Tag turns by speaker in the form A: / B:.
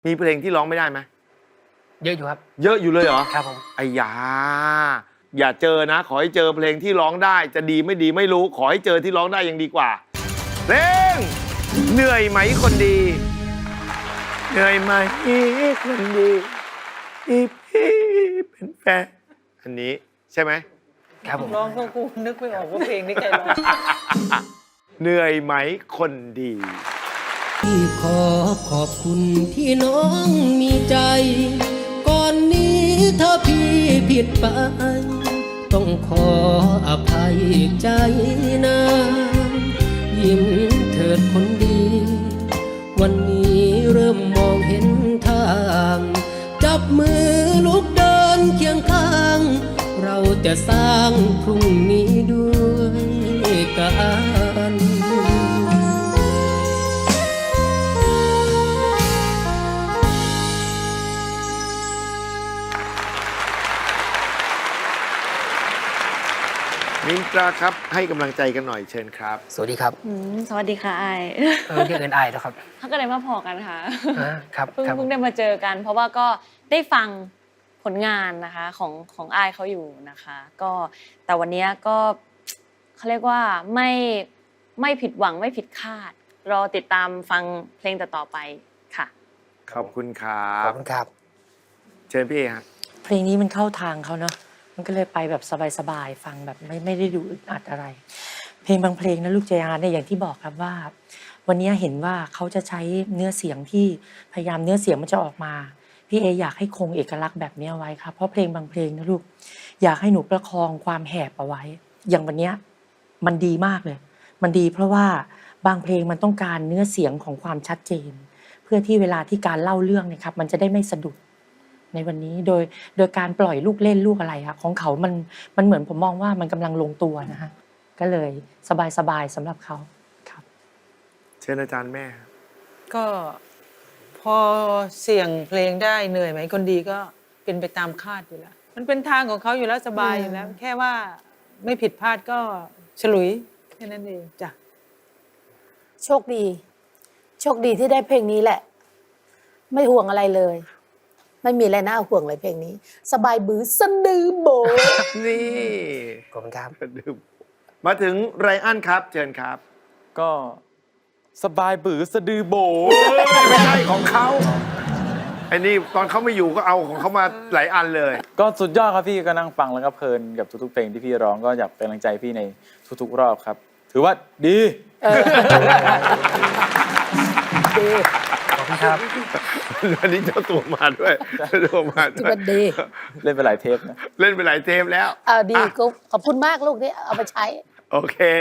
A: มีเพลงที่ร้องไม่ได้ไหม
B: เยอะอยู่ครับ
A: เยอะอยู่เลยเหรอ
B: ครับผม
A: ไอ้ยาอย่าเจอนะขอให้เจอเพลงที่ร้องได้จะดีไม่ดีไม่รู้ขอให้เจอที่ร้องได้ยังดีกว่าเพลงเหนื่อยไหมคนดีเหนื่อยไหมคนดีที่พี่เป็นแฟนอันนี้ใช่ไหม
B: ครับผม
C: ร้องก็กูนึกไม่ออกว่าเพลงนี้ใครร้อง
A: เหนื่อยไหมคนดี
D: พี่ขอบคุณที่น้องมีใจก่อนนี้ถ้าพี่ผิดไปต้องขออภัยใจนะยิ้มเถิดคนดีวันนี้เริ่มมองเห็นทางจับมือลุกเดินเคียงข้างเราจะสร้างพรุ่งนี้ด้วยกัน
A: มินตราครับให้กำลังใจกันหน่อยเชิญครับ
B: สวัสดีครับ
E: สวัสดีค่ะไอ
B: เรียกเอินไอแล้วครับ
E: เขาก็เลยมาพอกันค่ะ
B: ครับ
E: เพิ่งได้มาเจอกันเพราะว่าก็ได้ฟังผลงานนะคะของไอเขาอยู่นะคะก็แต่วันนี้ก็เขาเรียกว่าไม่ผิดหวังไม่ผิดคาดรอติดตามฟังเพลงต่อไปค่ะ
A: ขอบคุณครั
B: บขอบคุณครับ
A: เชิญพี่เอครับ
F: เพลงนี้มันเข้าทางเขาเนาะมันก็เลยไปแบบสบายๆฟังแบบไม่ได้ดูอึดอัดอะไรเพลงบางเพลงนะลูกเจอาเนี่ยอย่างที่บอกครับว่าวันนี้เห็นว่าเขาจะใช้เนื้อเสียงที่พยายามเนื้อเสียงมันจะออกมาพี่เออยากให้คงเอกลักษณ์แบบนี้ไว้ครับเพราะเพลงบางเพลงนะลูกอยากให้หนูประคองความแหบเอาไว้อย่างวันนี้มันดีมากเลยมันดีเพราะว่าบางเพลงมันต้องการเนื้อเสียงของความชัดเจนเพื่อที่เวลาที่การเล่าเรื่องเนี่ยครับมันจะได้ไม่สะดุดในวันนี้โดยการปล่อยลูกเล่นลูกอะไรครับของเขามันเหมือนผมมองว่ามันกำลังลงตัวนะฮะก็เลยสบายๆสำหรับเขาครับ
A: เชิญอาจารย์แม่
C: ก็พอเสี่ยงเพลงได้เหนื่อยไหมคนดีก็เป็นไปตามคาดอยู่แล้วมันเป็นทางของเขาอยู่แล้วสบายอยู่แล้วแค่ว่าไม่ผิดพลาดก็ฉลุยแค่นั้นเองจ้ะ
G: โชคดีที่ได้เพลงนี้แหละไม่ห่วงอะไรเลยไม่มีอะไรน่าห่วงเลยเพลงนี้สบายบื้อสะดือโบ
A: นี่
B: ขอบคุณครับ
A: มาถึงไรอันครับเชิญครับ
H: ก็สบายบือสะดือโบ
A: ไม่ใช่ของเขาไอ้นี่ตอนเขาไม่อยู่ก็เอาของเขามาหลายอันเลย
H: ก็สุดยอดครับพี่ก็นั่งฟังแล้วก็เพลินกับทุกๆเพลงที่พี่ร้องก็อยากเป็นกำลังใจพี่ในทุกๆรอบครับถือว่าดี
B: ขอบคุณครับ
A: วันนี้เจ้าตัวมาด้วย
G: ดี
H: เล่นไปหลายเทปนะ
A: เล่นไปหลายเทปแล้ว
G: ดีก็ขอบคุณมากลูกที่เอามาใช้
A: โอเค